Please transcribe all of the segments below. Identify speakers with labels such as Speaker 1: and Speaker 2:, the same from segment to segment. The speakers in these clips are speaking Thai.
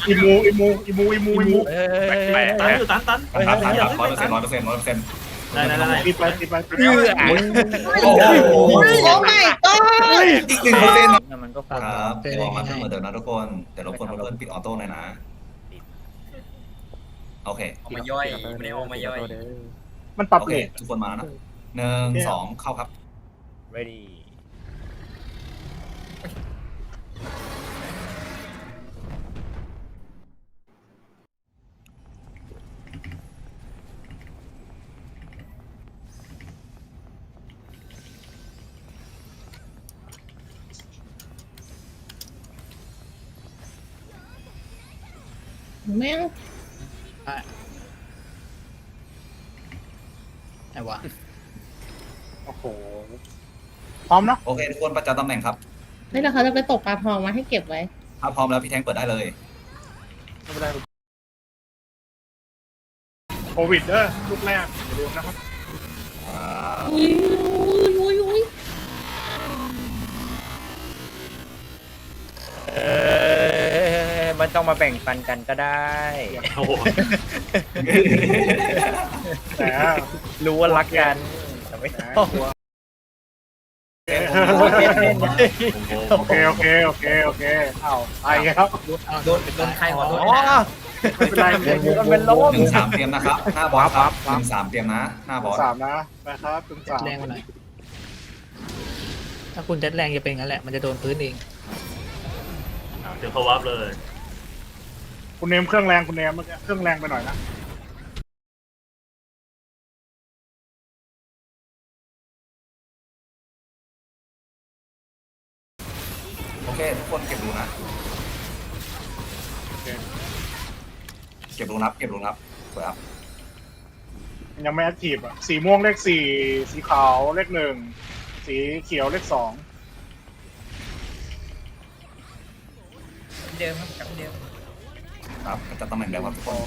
Speaker 1: อิมู
Speaker 2: ตันอยู่ตัน
Speaker 3: 100%
Speaker 2: ได้
Speaker 1: ตีไป
Speaker 3: โอ้โห
Speaker 4: โอ้ my god
Speaker 3: อีก1%นะ
Speaker 5: มันก็
Speaker 3: ครับเดี๋ยวมาเหมือนเดิมนะทุกคนแต่รบกวนเพื่อนปิดออโต้หน่อยนะโอเค
Speaker 6: ออกมาย่อยไม่ได้ออกมาย่อย
Speaker 1: มันปรับ
Speaker 3: โอ
Speaker 1: เล
Speaker 3: เค
Speaker 1: ท
Speaker 3: ทุกคนมานะ1 2เข้าครับ
Speaker 5: ready
Speaker 4: แม่ง
Speaker 7: ไอ้วะ
Speaker 1: โอ้โหพร้อมเนาะ
Speaker 3: โอเคทุกคนประจำตำแหน่งครับ
Speaker 4: นี่เราเขาจะไปตกปลาทองมาให้เก็บไว้
Speaker 3: ถ้าพร้อมแล้วพี่แทงเปิดได้เลย
Speaker 1: โควิดเด้อลูกแรกอย่าลืมนะครับ
Speaker 4: อุ้ย
Speaker 5: มันต้องมาแบ่งปันกันก็ได้
Speaker 2: โอ้โห
Speaker 1: แต่
Speaker 5: รู้ว่ารักกันแต่ไม่ต้อง
Speaker 1: โอเคเอาไปครับ
Speaker 6: โดนใครหัวโดน
Speaker 5: อ๋อ
Speaker 1: ไม่เป็นไร
Speaker 5: มันเป็นลม
Speaker 3: 1 3เตรียมนะครับหน้าบอสครับ1 3เตรียมนะหน้าบอส
Speaker 1: 3นะนะครับถึง
Speaker 7: เจ็ดแรงมาหน่อยถ้าคุณเจ็ดแรงจะเป็นงั้นแหละมันจะโดนพื้นเอง
Speaker 2: เดี๋ยวเขาวับเลย
Speaker 1: คุณเนมเครื่องแรงคุณเนมเมื่อกี้เครื่องแรงไปหน่อยนะ
Speaker 3: โอเคทุกคนเก็บรูนะเก็บรูนับสวยครับ
Speaker 1: ยังไม่แอคทีฟอ่ะสีม่วงเลข4สีขาวเลข1สีเขียวเลข2
Speaker 6: เดิมครับกลับเดิม
Speaker 3: ครับประจำตำแหน่งเดิมครับทุกคน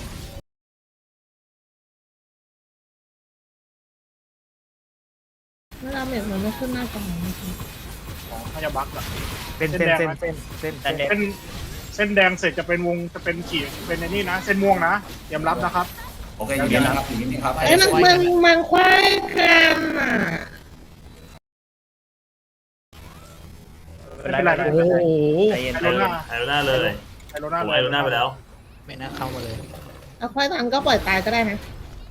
Speaker 4: เวลาเม็ดมันไม่ขึ้นหน้าจอนะคะ
Speaker 1: ของพยาบักอ่ะ
Speaker 5: เส้น
Speaker 1: เส้นแดงเสร็จจะเป็นวงจะเป็นขีดเป็นในนี่นะเส้นม่วงนะเตรียมรับนะครับ
Speaker 3: โอเคอยู่นี่นะครับอยู่นี่ครับ
Speaker 4: เอ้ยมันควายกันอ่ะ
Speaker 1: ไม่เป็นไร
Speaker 5: โอ้โหใจเย็น
Speaker 1: ไอโรน่า
Speaker 2: ไอโรน่าเลย
Speaker 1: ไอโรน่า
Speaker 2: ผมไอโรน่าไปแล้ว
Speaker 7: ไม่น่าเข้ามาเลย
Speaker 4: เอาควายตังก็ปล่อยตายก็ได้นะ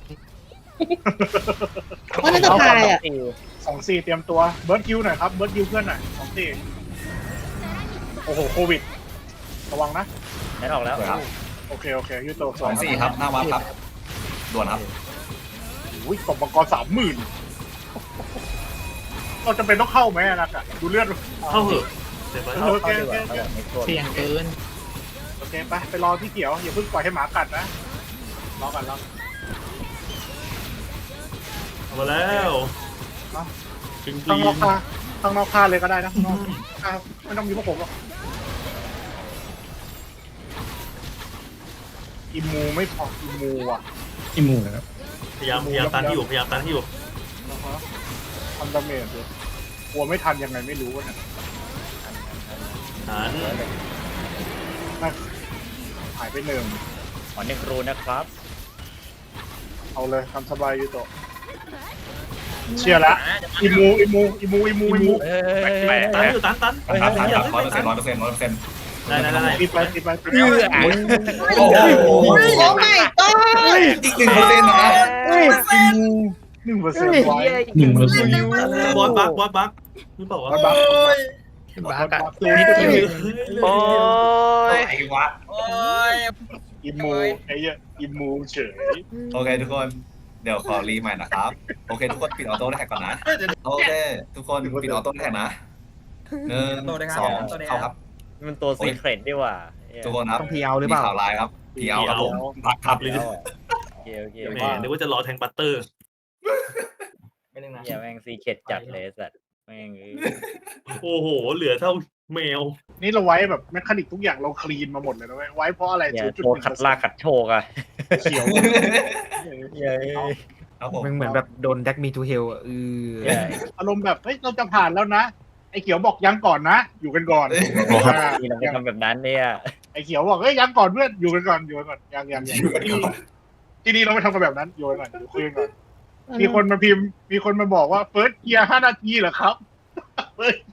Speaker 4: เพราะน่าจะตายอ่ะ
Speaker 1: 2-4เตรียมตัวเบิร์ดคิวหน่อยครับเบิร์ดคิวเพื่อนหน่อย2-4โอ้โหโควิดระวังนะ
Speaker 5: ได้ออกแล้ว
Speaker 3: สวยครับ
Speaker 1: โอเคยูโต
Speaker 3: 2 4ครับหน้าวับครับด่วนครับ
Speaker 1: อุ้ยตบมังกร30,000เราจะเป็นต้องเข้าไหมนะกะดูเลือด
Speaker 2: เข้าเหอะเดี๋ยวไป
Speaker 1: โอเค
Speaker 7: เสี่ยงเกิน
Speaker 1: โอเคไปรอพี่เขียวอย่าเพิ่งปล่อยให้หมากัดนะรอกัน
Speaker 2: เอามาแล้วจริง
Speaker 1: ข้างนอกค่าเลยก็ได้นะข้างนอกไม่ต้องมีพวกผมหรอกอิมูไม่พออิมูอ่ะ
Speaker 2: พยายามตันที่อยู่
Speaker 1: ทำดาเมจเลยกลัวไม่ทันยังไงไม่รู้ว่าเนี่ย
Speaker 2: หัน
Speaker 1: หายไป1
Speaker 5: ขอ1 รูนะครับ
Speaker 1: เอาเลยทำสบายยูโตะเชียร์ละอิมู
Speaker 2: ตันอยู่ตัน
Speaker 3: ครับ100%
Speaker 2: ได้
Speaker 1: ตีไป
Speaker 3: โอ้โห
Speaker 4: โอ้ my god
Speaker 3: อีก1%นะ
Speaker 1: 1%ไว้
Speaker 2: บอสบักหรือเปล่าวะ
Speaker 7: บาร์กะนิดเดียว
Speaker 5: โอ้ย
Speaker 3: ไอ้วะ
Speaker 6: โอ้ย
Speaker 1: อิมูไอ้เหี้ยอิมูเฉย
Speaker 3: โอเคทุกคนเดี๋ยวขอรีใหม่นะครับโอเคทุกคนปิดออโต้แท็กก่อนนะโอเคทุกคนปิดออโต้แท็กนะ1 2เข้าครับ
Speaker 5: มันตัวซีเครตดีกว่า
Speaker 3: ทุกคนครับมีข่าวร้ายครับพีเอาครับผมพักครับ
Speaker 5: โอเค
Speaker 2: แหมนึกว่าจะรอแทงบัตเตอร์
Speaker 6: ไม่นึงนะ
Speaker 5: อย่าแม่งซีเครตจัดเลยสัตว์แม่ง
Speaker 2: โอ้โหเหลือเท่าแมว
Speaker 1: นี่เราไว้แบบแมคานิกทุกอย่างเราคลีนมาหมดเลยนะไว้เพราะอะไร
Speaker 5: อย่าโชว์ขัดลากขัดโชกอ่ะ
Speaker 1: เขียว
Speaker 3: ครับผม
Speaker 8: มันเหมือนแบบโดนแดกมีทูเฮลอ่ะ
Speaker 1: อารมณ์แบบเฮ้ยเราจะผ่านแล้วนะไอ้เขียวบอกยังก่อนนะอยู่กันก่อน
Speaker 5: นี่เราไปทำแบบนั้นเนี่ย
Speaker 1: ไอ้เขียวบอกเอ้ยยังก่อนเพื่อนอยู่กันก่อนยัง
Speaker 3: อยู่กันก่อน
Speaker 1: ที่นี่เราไม่ทำกันแบบนั้นอยู่กันก่อนอยู่คุยกันก่อนมีคนมาพิมพ์มีคนมาบอกว่าเฟิร์สเกียร์5 นาทีเหรอครับเฟิร์ส